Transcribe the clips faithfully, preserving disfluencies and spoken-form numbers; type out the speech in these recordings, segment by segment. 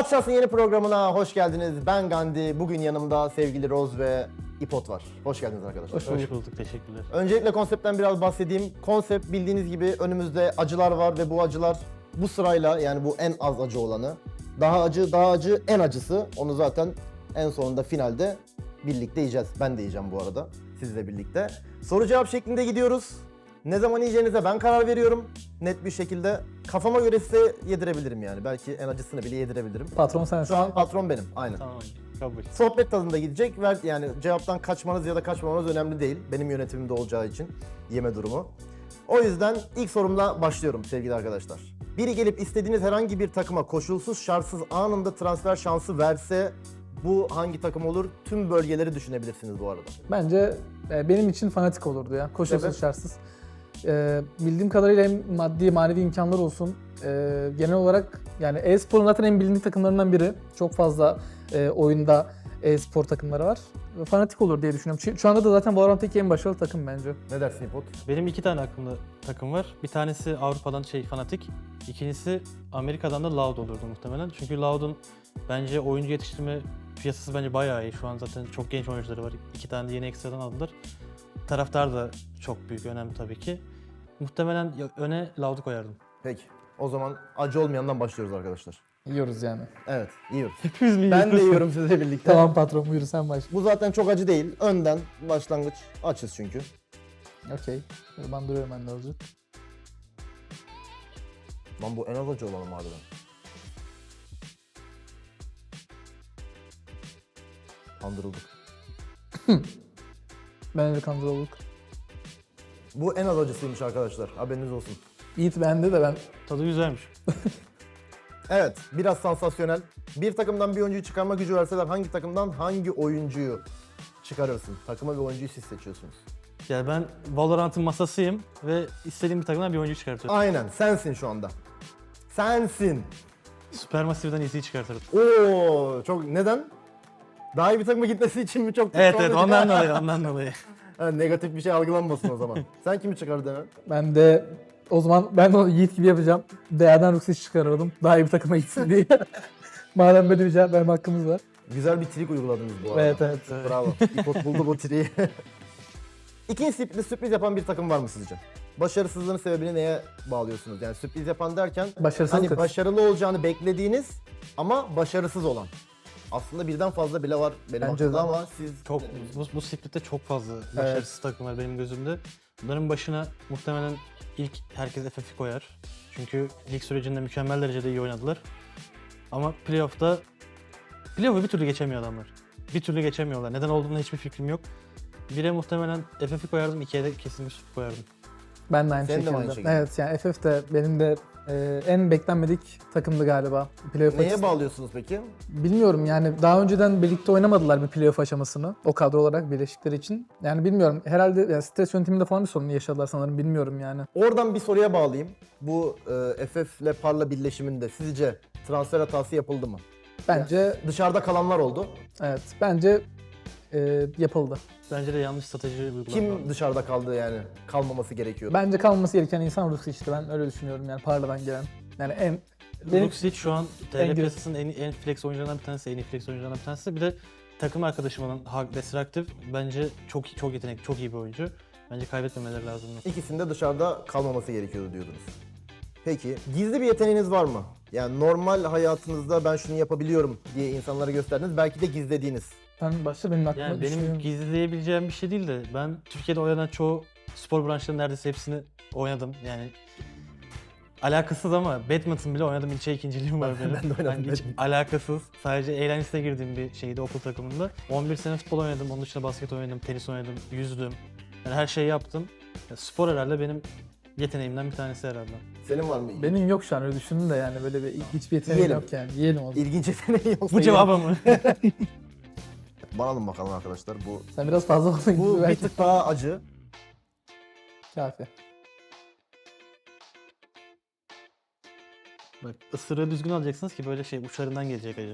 Atşas'ın yeni programına hoş geldiniz. Ben Gandhi. Bugün yanımda sevgili Roz ve İpot var. Hoş geldiniz arkadaşlar. Hoş bulduk. Hoş bulduk. Teşekkürler. Öncelikle konseptten biraz bahsedeyim. Konsept bildiğiniz gibi önümüzde acılar var ve bu acılar bu sırayla, yani bu en az acı olanı, daha acı, daha acı, en acısı. Onu zaten en sonunda finalde birlikte yiyeceğiz. Ben de yiyeceğim bu arada sizle birlikte. Soru cevap şeklinde gidiyoruz. Ne zaman yiyeceğinize ben karar veriyorum. Net bir şekilde. Kafama göre size yedirebilirim yani. Belki en acısını bile yedirebilirim. Patron sensin. Şu an patron benim. Aynen. Tamam. Kabul. Sohbet tadında gidecek. Ver, yani cevaptan kaçmanız ya da kaçmamanız önemli değil. Benim yönetimimde olacağı için yeme durumu. O yüzden ilk sorumla başlıyorum sevgili arkadaşlar. Biri gelip istediğiniz herhangi bir takıma koşulsuz şartsız anında transfer şansı verse bu hangi takım olur? Tüm bölgeleri düşünebilirsiniz bu arada. Bence e, benim için fanatik olurdu ya. Koşulsuz Evet. şartsız. E, bildiğim kadarıyla hem maddi manevi imkanlar olsun. E, genel olarak yani e-sporun zaten en bilindik takımlarından biri. Çok fazla e, oyunda e-spor takımları var. Fanatik olur diye düşünüyorum. Şu, şu anda da zaten Valorant'taki en başarılı takım bence. Ne dersin İpot? Benim iki tane aklımda takım var. Bir tanesi Avrupa'dan şey Fnatic. İkincisi Amerika'dan da Loud olurdu muhtemelen. Çünkü Loud'un bence oyuncu yetiştirme piyasası bence bayağı iyi. Şu an zaten çok genç oyuncuları var. İki tane de yeni ekstradan aldılar. Taraftar da çok büyük önemli tabii ki. Muhtemelen öne Loud'u koyardım. Peki. O zaman acı olmayandan başlıyoruz arkadaşlar. Yiyoruz yani. Evet, yiyoruz. Hepimiz mi Ben de yiyorum sizle birlikte. Tamam patron buyur sen başla. Bu zaten çok acı değil. Önden başlangıç açız çünkü. Okey. Ben duruyorum ben de azıcık. Lan bu en az acı olalım harbiden. Kandırıldık. Ben de kandırıldık. Bu en az acısıymış arkadaşlar. Haberiniz olsun. Yiğit bende de ben. Tadı güzelmiş. Evet, biraz sansasyonel. Bir takımdan bir oyuncuyu çıkarma gücü verseler hangi takımdan hangi oyuncuyu çıkarırsın? Takıma ve oyuncuyu siz seçiyorsunuz. Yani ben Valorant'ın masasıyım ve istediğim bir takımdan bir oyuncu çıkartıyorum. Aynen, sensin şu anda. Sensin. Supermassive'den Easy'yi çıkartırım. Oo, çok neden? Daha iyi bir takıma gitmesi için mi çok? Evet evet ondan dolayı ondan dolayı. Ha, negatif bir şey algılanmasın o zaman. Sen kimi çıkardın hemen? Ben de o zaman ben o Yiğit gibi yapacağım. Değerden Rux'i çıkarırdım. Daha iyi bir takıma gitsin diye. Madem böyle bir cevap verme hakkımız var. Güzel bir trik uyguladınız bu arada. Evet evet. Bravo. İpot buldu bu triyi. İkinci sürpriz, sürpriz yapan bir takım var mı sizce? Başarısızlığın sebebini neye bağlıyorsunuz? Yani sürpriz yapan derken Başarısızlık. hani başarılı olacağını beklediğiniz ama başarısız olan. Aslında birden fazla bile var benim Bence aklımda de. ama siz... Çok bu, bu splitte çok fazla başarısız takım var benim gözümde. Bunların başına muhtemelen ilk herkes F F'i koyar. Çünkü lig sürecinde mükemmel derecede iyi oynadılar. Ama playoff'ta playoff'u bir türlü geçemiyor adamlar. Bir türlü geçemiyorlar. Neden olduğuna hiçbir fikrim yok. Bire muhtemelen F F'i koyardım, ikiye de kesinlikle Sup koyardım. Ben de aynı Senin de mi şekilde. aynı şekilde? Evet yani F F de benim de e, en beklenmedik takımdı galiba. Playoff Neye açısı- bağlıyorsunuz peki? Bilmiyorum yani daha önceden birlikte oynamadılar bir playoff aşamasını o kadro olarak birleşikleri için. Yani bilmiyorum herhalde yani stres yönetiminde falan bir sorun yaşadılar sanırım bilmiyorum yani. Oradan bir soruya bağlayayım. Bu e, F F ile Parla birleşiminde sizce transfer hatası yapıldı mı? Bence Dışarıda kalanlar oldu. evet bence e, yapıldı. Bence de yanlış strateji uygulandı. Kim dışarıda kaldı yani? Kalmaması gerekiyordu. Bence kalması gereken insan Rux işte ben öyle düşünüyorum yani Parla'dan gelen. Yani en benim- Luxic şu an T en R gö- piyasasının en, en flex oyuncularından bir tanesi, en iyi flex oyuncularından bir tanesi. Bir de takım arkadaşım olan Hag Destructive bence çok çok yetenekli, çok iyi bir oyuncu. Bence kaybetmemeleri lazım. İkisinde dışarıda kalmaması gerekiyordu diyordunuz. Peki, gizli bir yeteneğiniz var mı? Yani normal hayatınızda ben şunu yapabiliyorum diye insanlara gösterdiniz. Belki de gizlediğiniz. ben başta benim aklıma Yani benim düşünüyorum. gizleyebileceğim bir şey değil de ben Türkiye'de oynanan çoğu spor branşlarının neredeyse hepsini oynadım. Yani alakasız ama badminton bile oynadım. İlçe ikinciliğim var benim. ben de oynadım Yani hiç badminton. alakasız. Sadece eğlencesine girdiğim bir şeydi okul takımında. on bir sene futbol oynadım. Onun dışında basket oynadım, tenis oynadım, yüzdüm. Yani her şeyi yaptım. Ya spor herhalde benim yeteneğimden bir tanesi herhalde. Senin var mı? Benim yok şu an öyle düşündüm de yani böyle bir hiçbir yeteneğim Yiyelim. yok yani. Yiyelim o zaman. İlginç yeteneği yoksa... Bu cevabı mı? Bana alın bakalım arkadaşlar. Bu Sen biraz fazla oldun bu gibi bir belki. tık daha acı. Kafi. Bak ısırığı düzgün alacaksınız ki böyle şey uçlarından gelecek acı.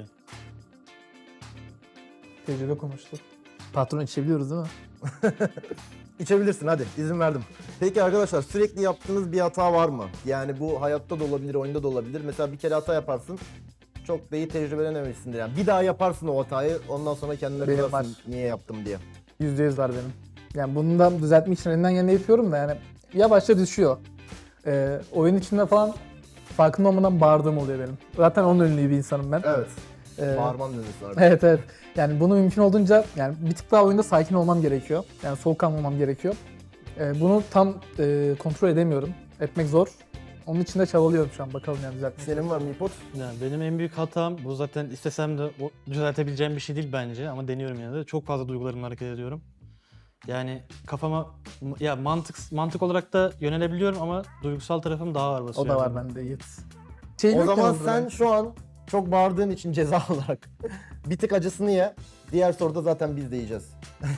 Tecrübe konuştuk. Patron içebiliyoruz değil mi? İçebilirsin hadi, izin verdim. Peki arkadaşlar, sürekli yaptığınız bir hata var mı? Yani bu hayatta da olabilir, oyunda da olabilir. Mesela bir kere hata yaparsın, çok da iyi tecrübelenememişsindir yani. Bir daha yaparsın o hatayı, ondan sonra kendine Benim kızarsın var. niye yaptım diye. yüzde yüz var benim. Yani bunu da düzeltmek için elinden geleni yapıyorum da yani yavaşça düşüyor. Ee, oyun içinde falan farkında olmadan bağırdığım oluyor benim. Zaten onun ünlü bir insanım ben. Evet. Ee, Bağırman dönüyorsun artık. Evet evet. Yani bunu mümkün olduğunca yani bir tık daha oyunda sakin olmam gerekiyor. Yani soğukkanlı olmam gerekiyor. Ee, bunu tam e, kontrol edemiyorum. Etmek zor. Onun için de çabalıyorum şu an. Bakalım yani düzeltmek. Senin var mı İpot? Yani benim en büyük hatam, bu zaten istesem de o düzeltebileceğim bir şey değil bence ama deniyorum yine de. Çok fazla duygularımla hareket ediyorum. Yani kafama ya mantık mantık olarak da yönelebiliyorum ama duygusal tarafım daha ağır basıyor. O da var yani. bende Yiğit. Şey O yok zaman yalnız sen ben. şu an çok bağırdığın için ceza olarak bir tık acısını ye. Diğer soruda zaten biz de yiyeceğiz.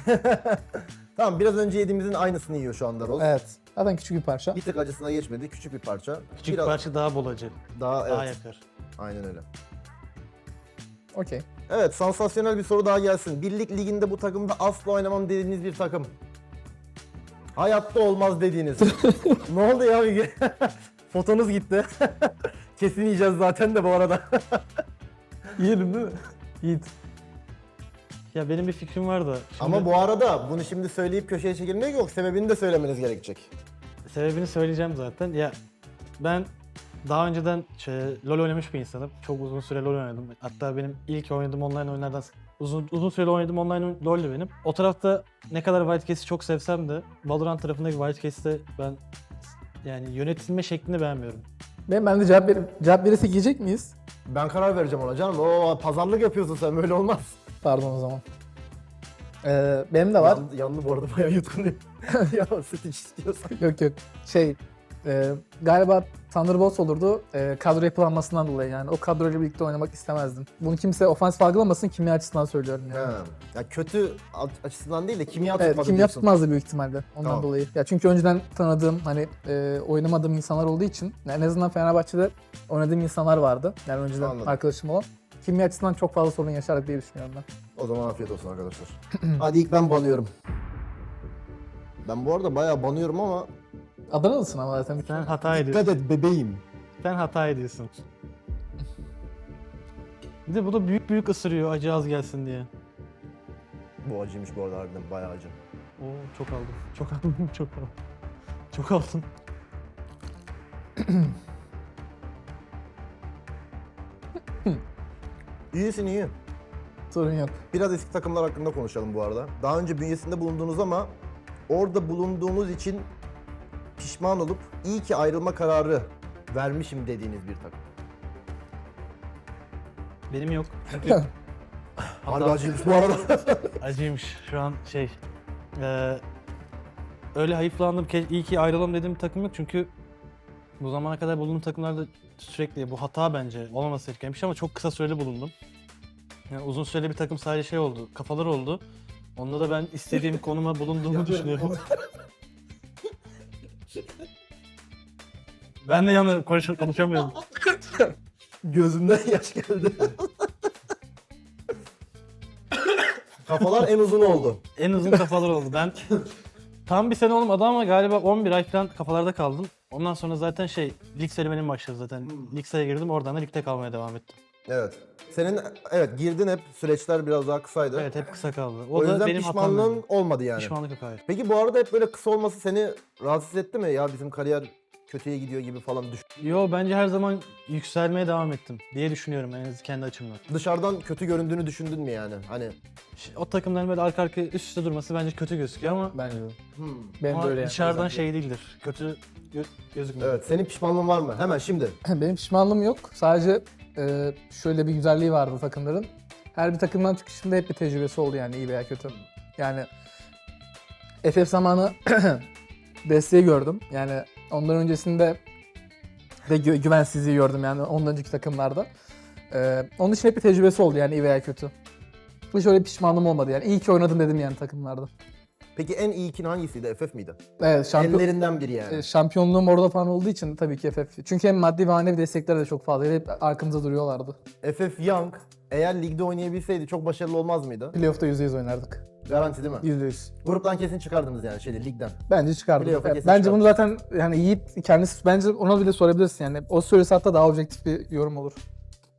Tamam, biraz önce yediğimizin aynısını yiyor şu anda Roz. Evet. Zaten küçük bir parça. Bir tık acısına geçmedi, küçük bir parça. Küçük Biraz parça daha bol acı, daha daha evet. yakar. Aynen öyle. Okey. Evet, sansasyonel bir soru daha gelsin. Birlik liginde bu takımda asla oynamam dediğiniz bir takım. Hayatta olmaz dediğiniz. Ne oldu ya Müge? Fotonuz gitti. Kesin yiyeceğiz zaten de bu arada. Yiyelim değil mi? Yiğit. Ya benim bir fikrim var da. Şimdi Ama bu arada bunu şimdi söyleyip köşeye çekilmek yok. Sebebini de söylemeniz gerekecek. sebebini söyleyeceğim zaten. Ya ben daha önceden şey, LoL oynamış bir insanım. Çok uzun süre LoL oynadım. Hatta benim ilk oynadığım online oyunlardan uzun uzun süreli oynadığım online oyun LoL'dü benim. O tarafta ne kadar Wildcats'i çok sevsem de Valorant tarafındaki Wildcats'te ben yani yönetilme şeklini beğenmiyorum. Ben, ben de cevap, ver cevap verirsek yiyecek miyiz? Ben karar vereceğim ona canım. Oo, pazarlık yapıyorsun sen, böyle olmaz. Pardon o zaman. Ee, benim de var. Yandı, yandı bu arada, bayağı yutkunuyor. Ya süt iç istiyorsan. Yok yok. Şey, e, galiba Thunderbolts olurdu. E, kadro yapılanmasından dolayı yani. O kadroyla birlikte oynamak istemezdim. Bunu kimse ofansif algılamasın, kimya açısından söylüyorum yani. Ha. Ya kötü açısından değil de kimya Evet, tutmadı kimya diyorsun. tutmazdı büyük ihtimalle ondan Tamam. dolayı. Ya çünkü önceden tanıdığım, hani e, oynamadığım insanlar olduğu için yani en azından Fenerbahçe'de oynadığım insanlar vardı. Yani önceden Anladım. arkadaşım olan. Kimya açısından çok fazla sorun yaşardık diye düşünüyorum ben. O zaman afiyet olsun arkadaşlar. Hadi ilk ben banıyorum. Ben bu arada bayağı banıyorum ama Adanalısın ama zaten. Sen hata ediyorsun. dikkat et bebeğim. Sen hata ediyorsun. Bir de bu da büyük büyük ısırıyor acı az gelsin diye. Bu acıymış bu arada, harbiden bayağı acı. Oo çok aldım. Çok aldım. Çok aldım. Çok aldım. İyisin, iyi. Sorun yok. Biraz eski takımlar hakkında konuşalım bu arada. Daha önce bünyesinde bulundunuz ama orada bulunduğunuz için pişman olup iyi ki ayrılma kararı vermişim dediğiniz bir takım. Benim yok. Çünkü Harbi Hatta- acıymış bu arada. acıymış şu an şey. eee, öyle hayıflandım ki iyi ki ayrılalım dediğim bir takım yok çünkü bu zamana kadar bulunduğum takımlarda sürekli bu hata bence olmaması gereken bir şey ama çok kısa süreli bulundum. Yani uzun süreli bir takım sadece şey oldu, kafalar oldu. Onda da ben istediğim konuma bulunduğumu düşünüyorum. Ben de yanı konuş konuşamıyorum. Gözümden yaş geldi. Kafalar en uzun oldu. En uzun kafalar oldu. Ben tam bir sene olmadı ama galiba on bir ay falan kafalarda kaldım. Ondan sonra zaten şey, lig serüvenim başladı zaten. Lig sayıya girdim, oradan da ligde kalmaya devam ettim. Evet. Senin evet girdin, hep süreçler biraz daha kısaydı. Evet, hep kısa kaldı. O, O, da yüzden benim hatam. pişmanlığın yani. olmadı yani. Pişmanlık yok, hayır. Peki bu arada hep böyle kısa olması seni rahatsız etti mi? Ya bizim kariyer kötüye gidiyor gibi falan düş. Yo, bence her zaman yükselmeye devam ettim diye düşünüyorum en azından kendi açımdan. Dışarıdan kötü göründüğünü düşündün mü yani? Hani Ş- O takımların böyle arka arkaya üst üste durması bence kötü gözüküyor ama, Bence de. hmm. Benim ama de öyle yani. dışarıdan şey değildir. Kötü gö- gözükmüyor. Evet, senin pişmanlığın var mı? Hemen şimdi. Benim pişmanlığım yok. Sadece e, şöyle bir güzelliği vardı takımların. Her bir takımdan çıkışında hep bir tecrübesi oldu yani iyi veya kötü. Yani F F zamanı desteği gördüm. Yani ondan öncesinde de gü- güvensizliği gördüm yani ondan önceki takımlarda. E, onun için hep bir tecrübesi oldu yani iyi veya kötü. Hiç öyle bir pişmanlığım olmadı yani. İyi ki oynadım dedim yani takımlarda. Peki en iyi ikin hangisiydi? F F miydi? Evet, şampiyon, Ellerinden biri yani. e, şampiyonluğum orada falan olduğu için tabii ki F F. Çünkü hem maddi ve manevi destekleri de çok fazlaydı. Hep arkamızda duruyorlardı. F F Young eğer ligde oynayabilseydi çok başarılı olmaz mıydı? Playoff'ta yüzde yüz oynardık. Garanti değil mi? yüzde yüz. Gruptan kesin çıkardınız yani şeyde, ligden. Bence çıkardım. Playoff'a Evet, kesin bence çıkardım. bunu zaten yani Yiğit kendisi bence ona bile sorabilirsin yani. O söylese hatta daha objektif bir yorum olur.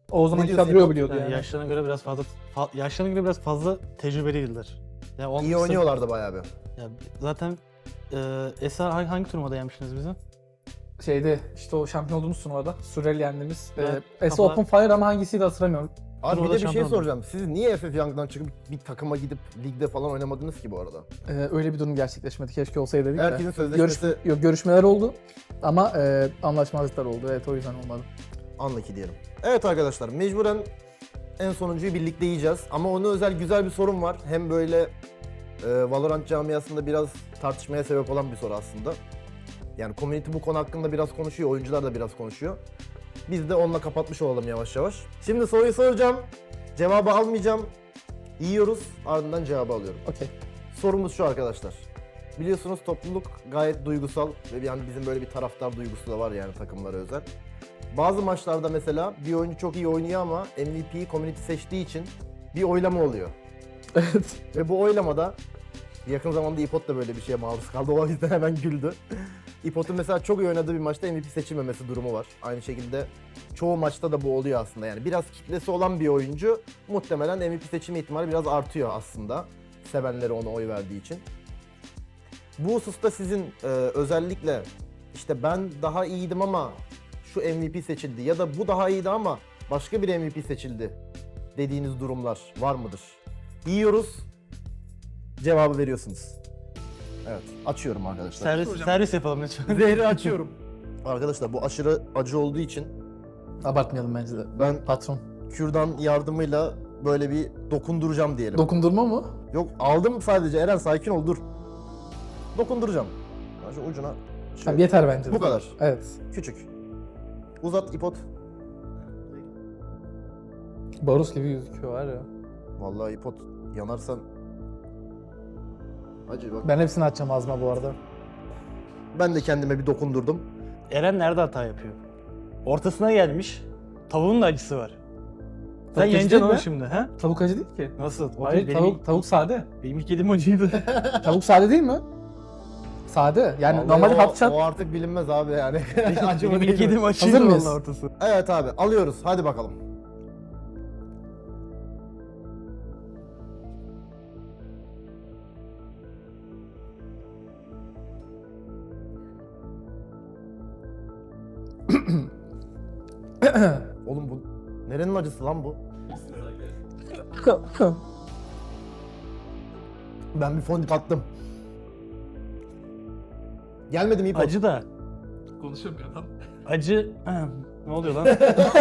O zaman diyorsun kadroyu İpo? biliyordu Yani yani. yaşlarına göre biraz fazla fa- yaşlarına göre biraz fazla tecrübeliydiler. Yani on- İyi oynuyorlardı bayağı bir. Ya zaten e, Esa hangi, hangi turnuvada yenmiştiniz bizi? Şeyde işte o şampiyon olduğumuz turnuvada Surreal yendiğimiz. Evet, Ee, S kafalar- Open Fire ama hangisiydi hatırlamıyorum. Abi bir Turnuvada de bir şey şampiyon oldu. soracağım. Siz niye F F Young'dan çıkıp bir takıma gidip ligde falan oynamadınız ki bu arada? Ee, öyle bir durum gerçekleşmedi. Keşke olsaydı dedik de. Herkesin sözleşmesi Görüş, yok, görüşmeler oldu ama e, anlaşmazlıklar oldu. Evet, o yüzden olmadı. anlaki diyelim. Evet arkadaşlar, mecburen en sonuncuyu birlikte yiyeceğiz. Ama ona özel güzel bir sorum var. Hem böyle e, Valorant camiasında biraz tartışmaya sebep olan bir soru aslında. Yani community bu konu hakkında biraz konuşuyor, oyuncular da biraz konuşuyor. Biz de onunla kapatmış olalım yavaş yavaş. Şimdi soruyu soracağım, cevabı almayacağım. Yiyoruz, ardından cevabı alıyorum. Okey. Sorumuz şu arkadaşlar. Biliyorsunuz topluluk gayet duygusal ve yani bizim böyle bir taraftar duygusu da var yani takımlara özel. Bazı maçlarda mesela bir oyuncu çok iyi oynuyor ama M V P'yi community seçtiği için bir oylama oluyor. Evet. Ve bu oylamada yakın zamanda İpot da böyle bir şeye maruz kaldı. O yüzden hemen güldü. İpot'un mesela çok iyi oynadığı bir maçta M V P seçilmemesi durumu var. Aynı şekilde çoğu maçta da bu oluyor aslında. Yani biraz kitlesi olan bir oyuncu muhtemelen M V P seçilme ihtimali biraz artıyor aslında. Sevenleri ona oy verdiği için. Bu hususta sizin e, özellikle işte ben daha iyiydim ama şu M V P seçildi ya da bu daha iyiydi ama başka bir M V P seçildi dediğiniz durumlar var mıdır? Yiyoruz, cevabı veriyorsunuz. Evet, açıyorum arkadaşlar. Servis, servis yapalım lütfen. Zehri açıyorum. Arkadaşlar bu aşırı acı olduğu için Abartmayalım bence de. ben Patron. kürdan yardımıyla böyle bir dokunduracağım diyelim. Dokundurma mı? Yok aldım sadece, Eren sakin ol dur. Dokunduracağım. Ben şu ucuna şöyle. Tamam, yeter bence de. Bu kadar. Evet. Küçük. Uzat İpot. Barus gibi gözüküyor var ya. Vallahi İpot yanarsan... Acı bak. Ben hepsini açacağım ağzıma bu arada. Ben de kendime bir dokundurdum. Eren nerede hata yapıyor? Ortasına gelmiş. Tavuğun da acısı var. Sen Tavuk acı yeneceksin değil onu mi? şimdi ha? Tavuk acı değil ki. Nasıl? O Hayır, değil, benim, tavuk, tavuk sade. benim ilk yediğim acıydı. Tavuk sade değil mi? Sade. Yani Vallahi normalde o, patlıcan... o artık bilinmez abi yani. Acı mı benim değil ilk mi? yediğim acıydı Hazır mıyız? vallahi ortası. Evet abi alıyoruz. Hadi bakalım. Oğlum bu nerenin acısı lan bu? Ben bir fondip attım. Gelmedi mi İpot? Acı da. Konuşamıyor adam. Acı... ne oluyor lan?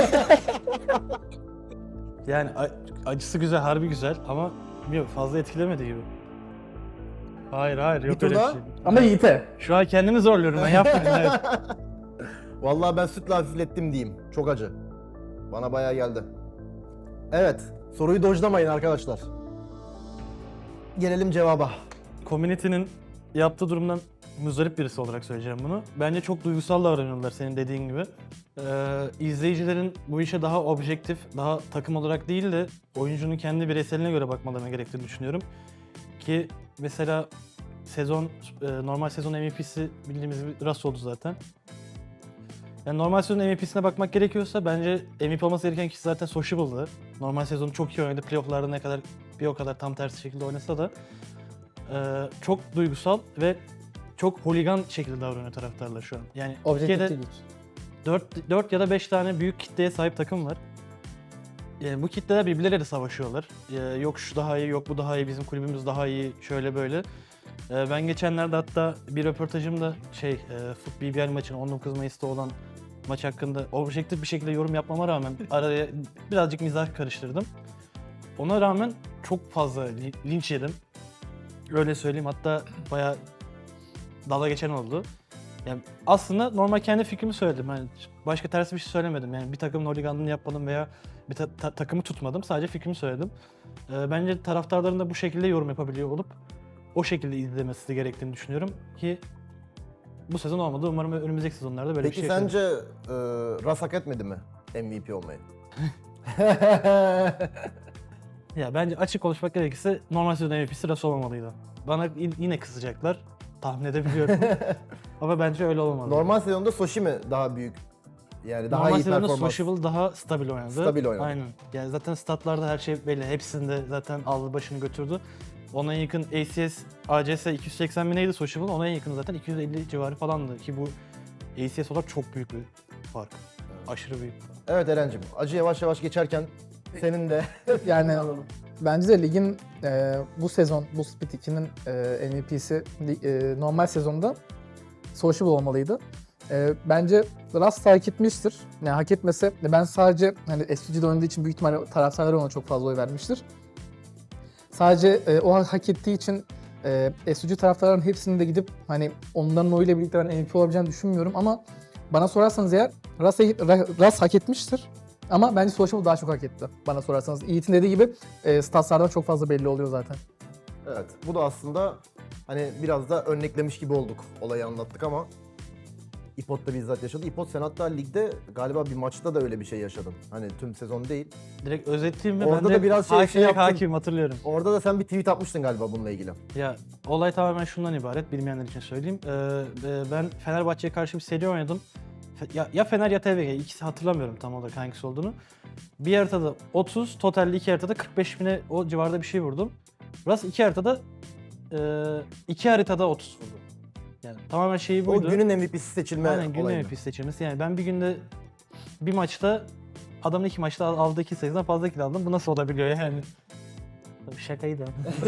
Yani a- acısı güzel, harbi güzel ama bilmiyorum fazla etkilemedi gibi. Hayır hayır yok Bir öyle bir tur şey. Ama Yiğit'e. Şu an kendimi zorluyorum ben yapmayayım. Evet. Vallahi ben sütle hafiflettim diyeyim. Çok acı. Bana bayağı geldi. Evet. Soruyu dojlamayın arkadaşlar. Gelelim cevaba. Community'nin yaptığı durumdan muzdarip birisi olarak söyleyeceğim bunu. Bence çok duygusal davranıyorlar senin dediğin gibi. Ee, izleyicilerin bu işe daha objektif, daha takım olarak değil de oyuncunun kendi bireyseline göre bakmalarına gerektiğini düşünüyorum. Ki mesela sezon, e, normal sezon M V P'si bildiğimiz gibi Russ oldu zaten. Yani normal sezon M V P'sine bakmak gerekiyorsa bence M V P olması gereken kişi zaten Sociable'dı. Normal sezonu çok iyi oynadı. Playoff'larda ne kadar bir o kadar tam tersi şekilde oynasa da e, çok duygusal ve çok holigan şekilde davranıyor taraftarlar şu an. Yani Objektif Türkiye'de değil. dört, dört ya da beş tane büyük kitleye sahip takım var. Yani bu kitleler birbirleriyle savaşıyorlar. Ee, yok şu daha iyi, yok bu daha iyi, bizim kulübümüz daha iyi, şöyle böyle. Ee, ben geçenlerde hatta bir röportajımda şey, e, Foot B B L maçının on dokuz Mayıs'ta olan maç hakkında objektif bir şekilde yorum yapmama rağmen araya birazcık mizah karıştırdım. Ona rağmen çok fazla li- linç yedim. Öyle söyleyeyim, hatta bayağı dalga geçen oldu. Yani aslında normal kendi fikrimi söyledim. Yani başka ters bir şey söylemedim. Yani bir takımın holiganlığını yapmadım veya bir ta- ta- takımı tutmadım. Sadece fikrimi söyledim. Ee, bence taraftarların da bu şekilde yorum yapabiliyor olup o şekilde izlemesi gerektiğini düşünüyorum ki bu sezon olmadı. Umarım önümüzdeki sezonlarda böyle Peki bir şey yaşarız. sence e, Russ hak etmedi mi M V P olmayı? Ya bence açık konuşmak gerekirse normal sezon M V P'si Russ olmamalıydı. Bana y- yine kızacaklar. Tahmin edebiliyorum. Ama bence öyle olmalı. Normal sezonda Soshi mi daha büyük Yani daha Normal iyi sezonda performans. Sociable daha stabil oynadı. Stabil oynadı. Aynen. Yani zaten statlarda her şey belli. Hepsinde zaten aldı başını götürdü. Ona en yakın A C S, A C S iki yüz seksen bineydi Sociable. Ona en yakın zaten iki yüz elli civarı falandı. Ki bu A C S olarak çok büyük bir fark. Aşırı büyük. Evet Eren'cim, acı yavaş yavaş geçerken senin de Yani bence de ligin e, bu sezon, bu Split iki'nin e, M V P'si li- e, normal sezonda Sociable olmalıydı. E, bence Rust hak etmiştir. Yani hak etmese ben sadece hani S U G'de oynadığı için büyük ihtimalle taraftarlar ona çok fazla oy vermiştir. Sadece e, o hak ettiği için e, S U G taraftarların hepsini de gidip hani onların oyuyla birlikte ben M V P olabileceğini düşünmüyorum ama bana sorarsanız eğer Rust, Rust hak etmiştir. Ama bence Sociable daha çok hak etti bana sorarsanız. Yiğit'in dediği gibi e, statslardan çok fazla belli oluyor zaten. evet, bu da aslında hani biraz da örneklemiş gibi olduk. Olayı anlattık ama İpot da bizzat yaşadı. İpot sen hatta ligde galiba bir maçta da öyle bir şey yaşadın. Hani tüm sezon değil. Direkt özetleyeyim ve Orada ben de da biraz şey- hakim- şey yaptın. hakimim hatırlıyorum. Orada da sen bir tweet atmıştın galiba bununla ilgili. Ya olay tamamen şundan ibaret, bilmeyenler için söyleyeyim. Ee, e, ben Fenerbahçe'ye karşı bir seri oynadım. Fe- Ya, ya Fener ya T V G, ikisi hatırlamıyorum tam olarak hangisi olduğunu. Bir haritada otuz, totalde iki haritada kırk beş bine o civarda bir şey vurdum. Rast iki haritada, e, iki haritada otuz vurdu. Yani tamamen şeyi buydu. O günün M V P'si seçilme Aynen günün olayı. M V P seçilmesi. Yani ben bir günde bir maçta adamın iki maçta al- aldığı iki sayıdan fazla kill aldım. Bu nasıl olabiliyor yani? Tabii şakaydı.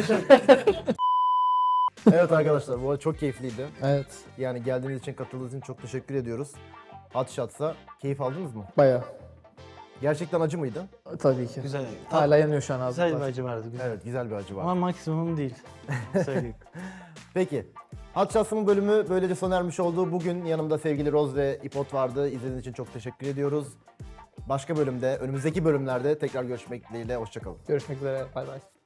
Evet arkadaşlar, bu arada çok keyifliydi. Evet, Yani geldiğiniz için, katıldığınız için çok teşekkür ediyoruz. Hot Shots'a keyif aldınız mı? bayağı. Gerçekten acı mıydı? Tabii ki. Güzel. Hala yanıyor şu an Güzel bir ağzımda. acı vardı. Güzel. Evet, güzel bir acı var. Ama maksimum değil. Söyleyeyim. Peki. Hot Shots'ın bölümü böylece sona ermiş oldu. Bugün yanımda sevgili Roz ve İpot vardı. İzlediğiniz için çok teşekkür ediyoruz. Başka bölümde, önümüzdeki bölümlerde tekrar görüşmek dileğiyle. Hoşçakalın. Görüşmek üzere. Bay bay.